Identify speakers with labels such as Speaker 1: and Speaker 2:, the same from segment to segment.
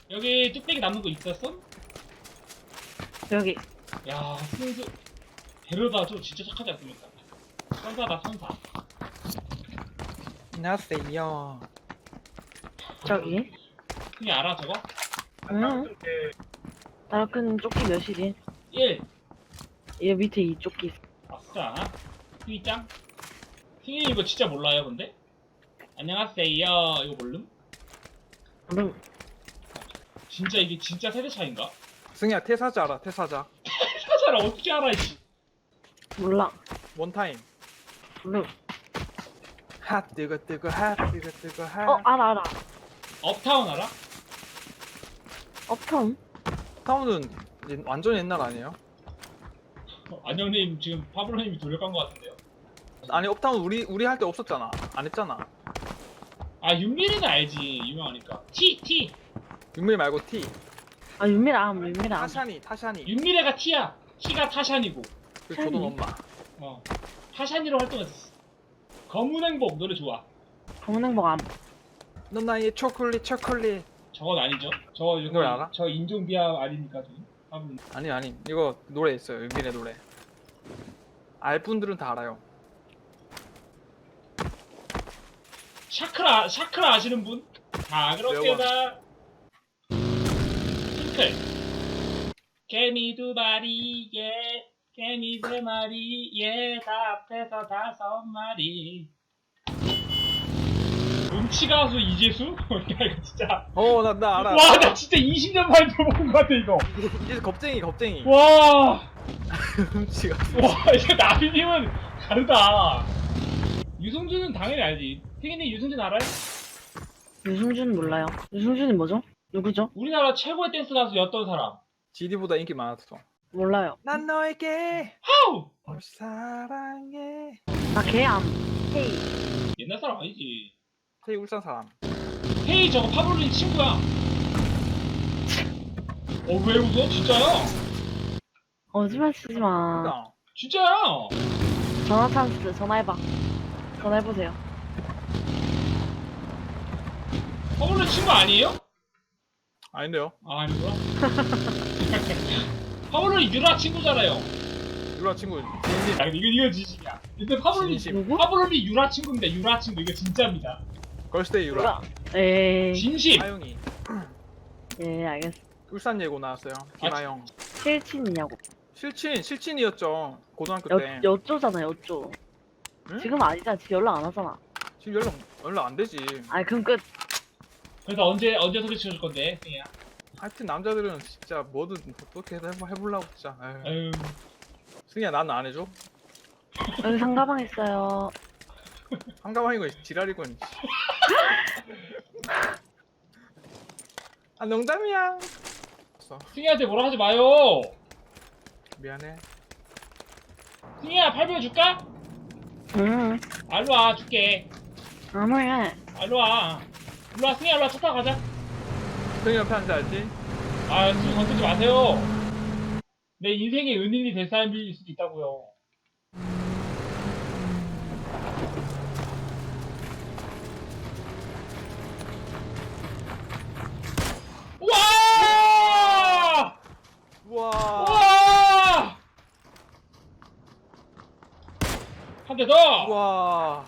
Speaker 1: 여기 뚝배기 남는 거 있었어?
Speaker 2: 여기.
Speaker 1: 야, 승수 데려다줘. 진짜 착하지 않습니까? 선사다, 선사.
Speaker 3: 안녕하세요.
Speaker 2: 저기.
Speaker 1: 형이 알아, 저거?
Speaker 2: 응. 나락근 조끼 몇이지?
Speaker 1: 1.
Speaker 2: 얘 밑에 이 조끼.
Speaker 1: 아싸. 휘짱. 휘 이거 진짜 몰라요, 근데? 안녕하세요. 이거 모름?
Speaker 2: 응.
Speaker 1: 진짜 이게 진짜 세대 차인가?
Speaker 3: 승희야 태사자 알아? 태사자.
Speaker 1: 사자를 어떻게 알아, 이씨.
Speaker 2: 몰라.
Speaker 3: 원타임.
Speaker 2: 응.
Speaker 3: 핫 뜨거 뜨거 핫 뜨거 뜨거 핫.
Speaker 2: 알아.
Speaker 1: 업타운 알아?
Speaker 2: 업텀?
Speaker 3: 타운은 완전 옛날 아니에요?
Speaker 1: 안녕님 지금 파브로님이 돌려간 것 같은데요.
Speaker 3: 아니 업타운 우리 할 때 없었잖아. 안 했잖아.
Speaker 1: 아 윤미래는 알지, 유명하니까. T.
Speaker 3: 윤밀 말고 T.
Speaker 2: 아, 윤미람.
Speaker 3: 타샤니.
Speaker 1: 윤미래가 T야. T가 타샤니고.
Speaker 3: 그 조던 엄마.
Speaker 1: 타샤니로 활동했었어. 검은 행복 노래 좋아.
Speaker 2: 검은 행복 암.
Speaker 3: 넌 나의 초콜릿.
Speaker 1: 저건 아니죠. 저
Speaker 3: 이걸 알아?
Speaker 1: 저 인종비하 아닙니까 지금? 파브로님.
Speaker 3: 아니 이거 노래 있어요. 윤밀의 노래. 알 분들은 다 알아요.
Speaker 1: 샤크라 아시는 분? 자 그렇게다. 핑클. 개미 2마리, 개미 3마리, 다 합해서 5마리. 음치가수 이재수? 야 이거 진짜.
Speaker 3: 나 알아.
Speaker 1: 와 나 진짜 20년 만에 들어본 것 같아 이거.
Speaker 3: 이제 겁쟁이.
Speaker 1: 와.
Speaker 3: 훔치가.
Speaker 1: 와 이거 나비님은 다르다. 유승준은 당연히 알지. 피디님 유승준 알아요?
Speaker 2: 유승준 몰라요. 유승준이 뭐죠? 누구죠?
Speaker 1: 우리나라 최고의 댄스 가수였던 사람.
Speaker 3: GD보다 인기 많았어.
Speaker 2: 몰라요.
Speaker 3: 난 너에게
Speaker 1: 하우!
Speaker 3: 널 사랑해.
Speaker 2: 아, 개암. 헤이.
Speaker 1: 옛날 사람 아니지.
Speaker 3: 태희 울산 사람.
Speaker 1: 헤이 저거 파블로님 친구야. 왜 웃어? 진짜야?
Speaker 2: 거짓말 치지 마.
Speaker 3: 그러니까
Speaker 1: 진짜야.
Speaker 2: 전화 찬스. 전화해봐. 전화해보세요.
Speaker 1: 파블로님 친구 아니에요?
Speaker 3: 아닌데요.
Speaker 1: 아 아니구나. 파블로님 유라 친구잖아요.
Speaker 3: 유라 친구.
Speaker 1: 아 이거 진심이야. 근데 파블로님
Speaker 3: 진심.
Speaker 2: 누구?
Speaker 1: 파블로님 유라 친구입니다. 유라 친구 이거 진짜입니다.
Speaker 3: 걸스데이 유라.
Speaker 2: 몰라. 에이.
Speaker 1: 진심.
Speaker 3: 하영이.
Speaker 2: 예, 알겠어.
Speaker 3: 울산 예고 나왔어요. 김하영.
Speaker 2: 실친이냐고.
Speaker 3: 실친이었죠. 고등학교 때.
Speaker 2: 여쪼잖아, 여쪼.
Speaker 3: 응?
Speaker 2: 지금 아니잖아. 지금 연락 안 하잖아.
Speaker 3: 지금 연락 안 되지.
Speaker 2: 아니, 그럼 끝.
Speaker 1: 그래서 언제 소개시켜줄 건데, 승희야?
Speaker 3: 하여튼 남자들은 진짜 뭐든 어떻게 해보려고 진짜. 에휴.
Speaker 1: 아유,
Speaker 3: 승희야 나는 안 해줘.
Speaker 2: 여기 상가방 있어요.
Speaker 3: 한가방이고 지랄이군. 아 농담이야.
Speaker 1: 승희한테 뭐라 하지 마요.
Speaker 3: 미안해.
Speaker 1: 승희야, 800원 줄까?
Speaker 2: 응.
Speaker 1: 알로 와, 줄게.
Speaker 2: 아무래.
Speaker 1: 알로 와. 일로 와, 승희야, 일로 와, 차 타고 가자.
Speaker 3: 승희 옆에 앉아야지.
Speaker 1: 아, 승희 건들지 마세요. 내 인생의 은인이 될 사람일 수도 있다고요. 와!
Speaker 3: 우와.
Speaker 1: 와! 한 대 더!
Speaker 3: 우와.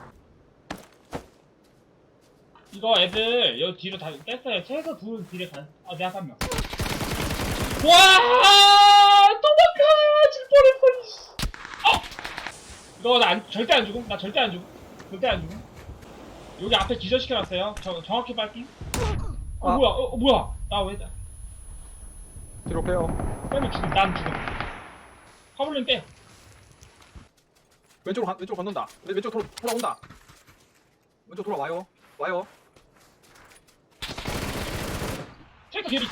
Speaker 1: 이거 애들 여기 뒤로 다 뺐어요. 최소 둘 뒤에 간. 내가 3명. 와! 도망가! 질 뻔했어. 이거 나 절대 안 죽음. 나 절대 안 죽음. 절대 안 죽음. 여기 앞에 기절시켜놨어요. 정확히 빨기.
Speaker 3: 아.
Speaker 1: 뭐야? 뭐야? 나 왜?
Speaker 3: 뒤로 빼요.
Speaker 1: 빼면 죽음. 난 죽음. 파블린 빼.
Speaker 3: 왼쪽으로 건넌다. 왼쪽 돌아온다. 왼쪽 돌아와요. 와요.
Speaker 1: 트랙터 뒤에 있어.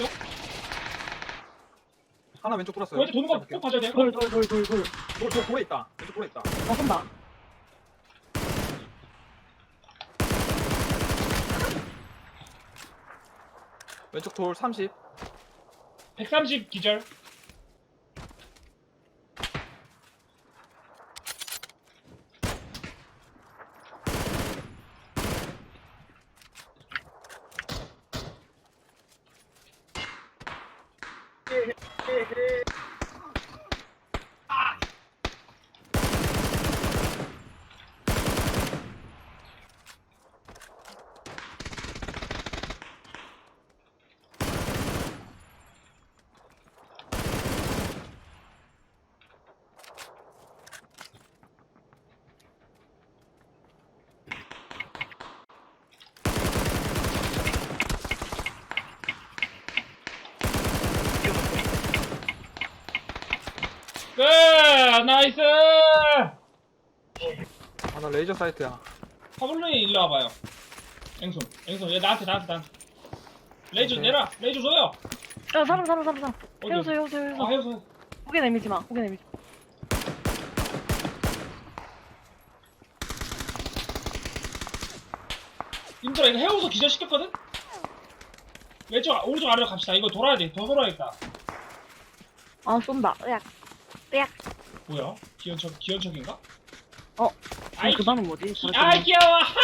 Speaker 3: 하나 왼쪽 돌았어요.
Speaker 1: 왼쪽 도는 거 꼭 봐줘야 돼.
Speaker 2: 돌.
Speaker 3: 돌에 있다. 왼쪽 돌에 있다.
Speaker 2: 한다.
Speaker 3: 왼쪽 돌 30.
Speaker 1: 130 기절. 끝! 나이스!
Speaker 3: 아, 나 레이저 사이트야.
Speaker 1: 파블로이 일로 와봐요. 앵손, 얘 나한테. 레이저
Speaker 3: 오케이.
Speaker 1: 내라! 레이저 줘요!
Speaker 2: 사람.
Speaker 1: 어디?
Speaker 2: 해우소.
Speaker 1: 아, 해서.
Speaker 2: 고개 내밀지 마.
Speaker 1: 님들아, 이거 해우소 기절시켰거든? 오른쪽 아래로 갑시다. 이거 돌아야 돼. 더 돌아야겠다.
Speaker 2: 아, 쏜다. 으악.
Speaker 1: 뭐야? 기현척인가?
Speaker 2: 아이, 그 반은 뭐지?
Speaker 1: 아이, 귀여워! 하!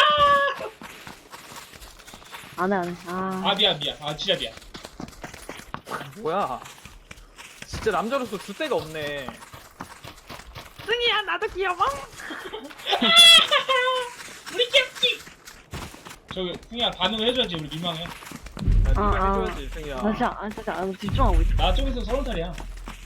Speaker 2: 안 해.
Speaker 1: 아, 미안. 아, 진짜 미안.
Speaker 3: 뭐야? 진짜 남자로서 줄 데가 없네.
Speaker 2: 승희야, 나도 귀여워.
Speaker 1: 우리 귀엽지? 저기, 승희야, 반응을 해줘야지. 우리 민망해.
Speaker 3: 야, 네가
Speaker 2: 아.
Speaker 3: 해줘야지, 승희야.
Speaker 2: 나 진짜 집중하고 있어.
Speaker 1: 나 쪽에서 30살이야.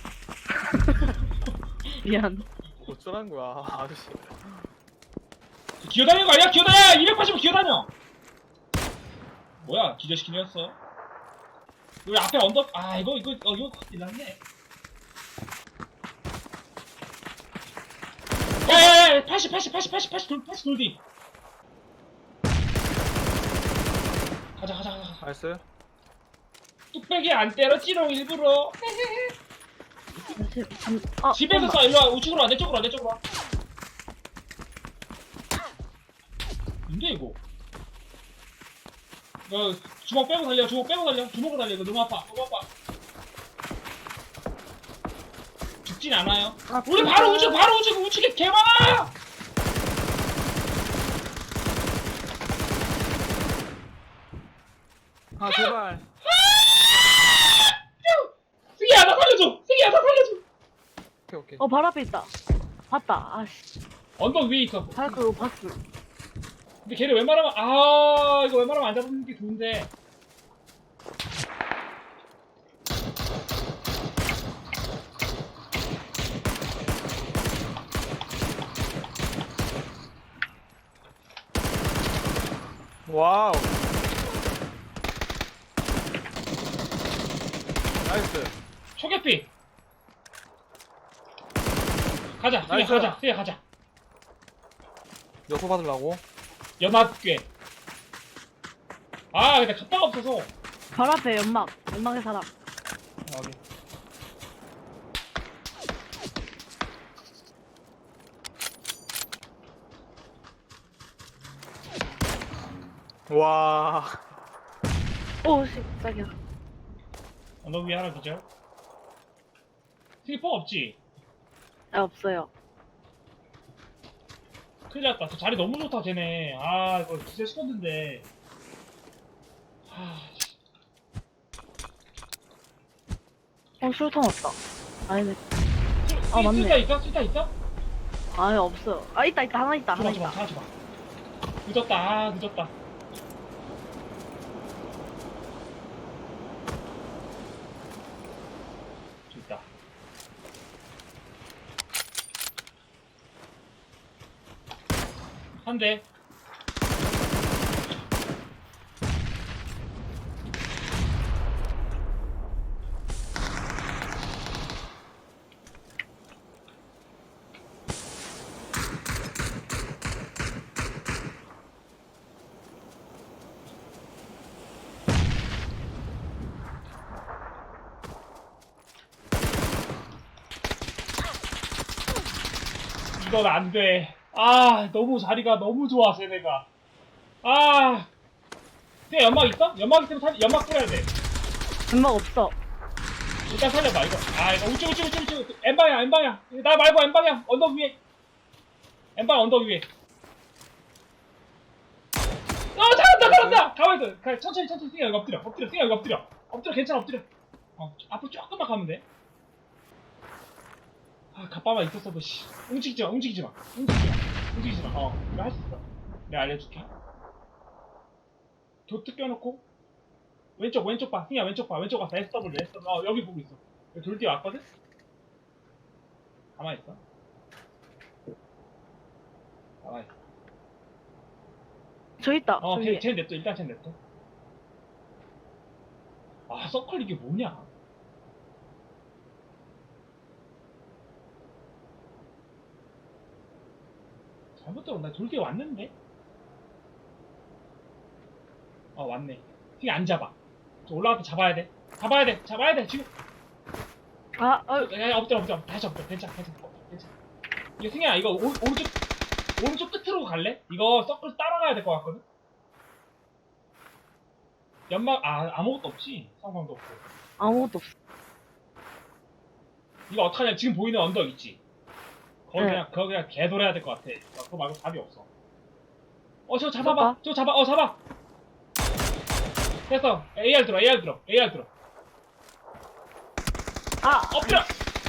Speaker 2: 미안.
Speaker 3: 어쩌라는 거야, 아저씨.
Speaker 1: 기어다니는 거 아니야? 기어다녀! 280은 기어다녀! 뭐야, 기절시키면서. 우리 앞에 언덕, 이거 일났네. 야야야, 80 돌디. 가자.
Speaker 3: 알았어요?
Speaker 1: 뚝배기 안 때려, 찌롱 일부러. 집에서 쏴, 일로 와, 우측으로 와, 내 쪽으로 와. 뭔데, 이거? 주먹 빼고 달려. 주먹으로 달려. 이거 너무 아파. 죽진 않아요. 우리 바로 우측에 개 많아!
Speaker 3: 아, 제발.
Speaker 1: 승희야, 나 살려줘!
Speaker 3: 오케이.
Speaker 2: 바로 앞에 있다. 봤다. 아씨.
Speaker 1: 언덕 위에 있어.
Speaker 2: 그거 봤어.
Speaker 1: 근데 걔를 웬만하면, 이거 웬만하면 안 잡는 게 좋은데.
Speaker 3: 와우. 나이스.
Speaker 1: 초계피! 가자,
Speaker 3: 나이스.
Speaker 1: 승희야, 가자.
Speaker 3: 여소 받으려고.
Speaker 1: 연합괴. 근데 갑바가 없어서.
Speaker 2: 바로 앞에 연막의 사람.
Speaker 1: 여기.
Speaker 3: 와.
Speaker 2: 오씨, 깜짝이야.
Speaker 1: 언덕 위에 하나 기절. 승희 폭 없지?
Speaker 2: 없어요.
Speaker 1: 큰일 났다. 저 자리 너무 좋다, 쟤네. 이거 진짜 시켰는데.
Speaker 2: 술통 없다. 아니네. 맞네.
Speaker 1: 쓸다 있어?
Speaker 2: 아니, 없어요. 있다. 하나 있다.
Speaker 1: 줘봐. 늦었다. 좋다. 한 대. 이건 안 돼. 너무 자리가 너무 좋아, 쟤네가. 쟤 연막 있어? 연막 있으면 연막 뿌려야 돼.
Speaker 2: 연막 없어.
Speaker 1: 일단 살려봐, 이거. 이거 우측. N방향. 나 말고 N방향. 언덕 위에. N방향 언덕 위에. 잘한다! 가만히 있어. 천천히. 승희야, 여기 엎드려. 엎드려, 괜찮아, 엎드려. 앞으로 조금만 가면 돼. 아, 갑바만 있었어도, 씨. 움직이지 마, 움직이지 마. 움직이지 마. 움직이지 마. 이거 할 수 있어. 내가 알려줄게. 도트 껴놓고, 왼쪽 봐. 승희야, 왼쪽 봐. 왼쪽 가서 SW. 여기 보고 있어. 여기 돌 뒤에 왔거든? 가만히 있어. 가만히 있어.
Speaker 2: 저 있다. 저 위에.
Speaker 1: 쟤 냅둬. 일단 쟤 냅둬. 아, 서클 이게 뭐냐? 잘못 들었나? 돌 뒤에 왔는데? 왔네. 승희 안 잡아. 저 올라가서 잡아야 돼. 잡아야 돼. 지금.
Speaker 2: 아,
Speaker 1: 야, 엎드려. 다시 엎드려. 괜찮아. 이거 승희야, 이거 오른쪽 끝으로 갈래? 이거 서클 따라가야 될 것 같거든? 연막, 아무것도 없지? 상황도 없고.
Speaker 2: 아무것도 없어.
Speaker 1: 이거 어떡하냐? 지금 보이는 언덕 있지? 거기
Speaker 2: 네.
Speaker 1: 그거 그냥 개돌아야 될 것 같아. 그거 말고 답이 없어. 저거 잡아봐. 잡아. 됐어. AR 들어. 엎드려!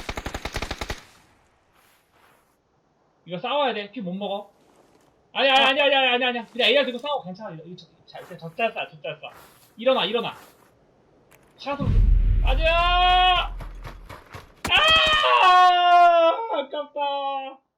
Speaker 1: 이거 싸워야 돼. 피 못 먹어. 아니야. 그냥 AR 들고 싸워. 괜찮아. 이거 젖잘 싸. 일어나. 샷으로. 아니야! 아깝다.